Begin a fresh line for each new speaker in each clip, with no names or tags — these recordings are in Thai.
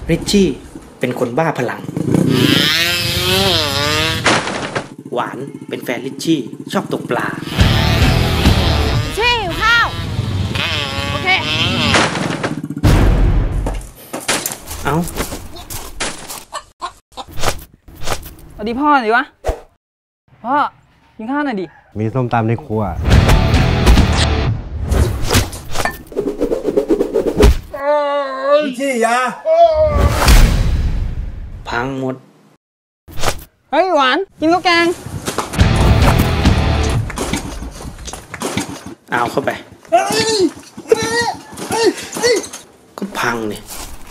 ริชชี่เป็นคนบ้าพลังหวานเป็นแฟนริชชี่ชอบตกปลา
ริชชี่หิวข้าวโอเค
เอา
สวัสดีพ่อหน่อยวะพ่อกินข้าวหน่อยดิ
มีส้มตำในครัว
ที่ยา
พังหมด
เฮ้ยหวานกินข้าวแกง
เอาเข้าไปก็พังเนี่ย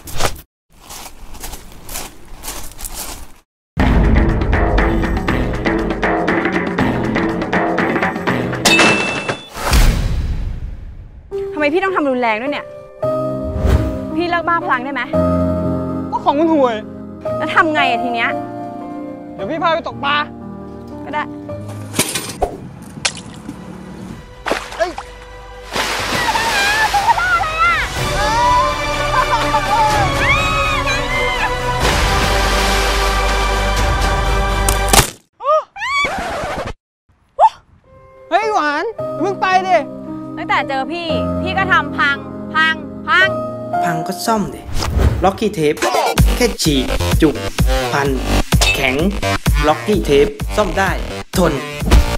ทำไมพี่ต้องทำรุนแรงด้วยเนี่ยพี่เลิกบ้าพลังได้ไหม
ก็ของมันห่วย
แล้วทำไงอะทีเนี้ย
เดี๋ยวพี่พาไปตกปลา
ก็ได้
เฮ้ยหวานมึงไปดิ
ตั้งแต่เจอพี่ก็ทำพัง
พังก็ซ่อมดิล็อกกี้เทปแค่ฉีกจุกพันแข็งล็อกกี้เทปซ่อมได้ทน